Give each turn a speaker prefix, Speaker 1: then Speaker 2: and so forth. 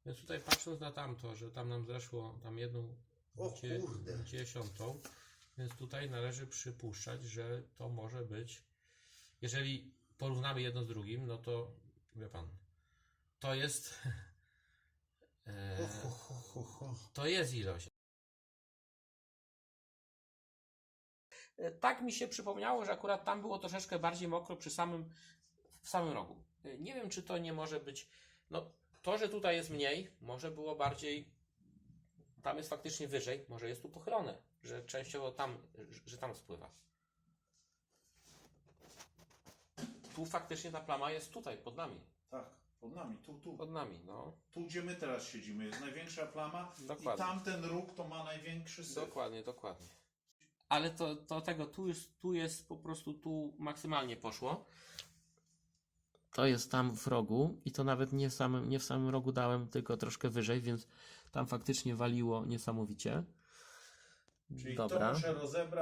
Speaker 1: Więc tutaj patrząc na tamto, że tam nam zeszło tam jedną
Speaker 2: O kurde.
Speaker 1: dziesiątą, więc tutaj należy przypuszczać, że to może być, jeżeli porównamy jedno z drugim, no to wie pan, to jest to jest ilość. Tak mi się przypomniało, że akurat tam było troszeczkę bardziej mokro w samym rogu. Nie wiem, czy to nie może być, no to, że tutaj jest mniej, może było bardziej, tam jest faktycznie wyżej, może jest tu pochylone, że częściowo tam, że tam spływa. Tu faktycznie ta plama jest tutaj, pod nami.
Speaker 3: Tak, pod nami, tu.
Speaker 1: Pod nami, no.
Speaker 3: Tu, gdzie my teraz siedzimy, jest największa plama.
Speaker 1: Dokładnie.
Speaker 3: I tamten róg to ma największy syf.
Speaker 1: Dokładnie. Ale tu jest po prostu, tu maksymalnie poszło. To jest tam w rogu i to nawet nie w samym rogu dałem, tylko troszkę wyżej, więc tam faktycznie waliło niesamowicie.
Speaker 3: Czyli
Speaker 1: Dobra.
Speaker 3: to muszę rozebrać.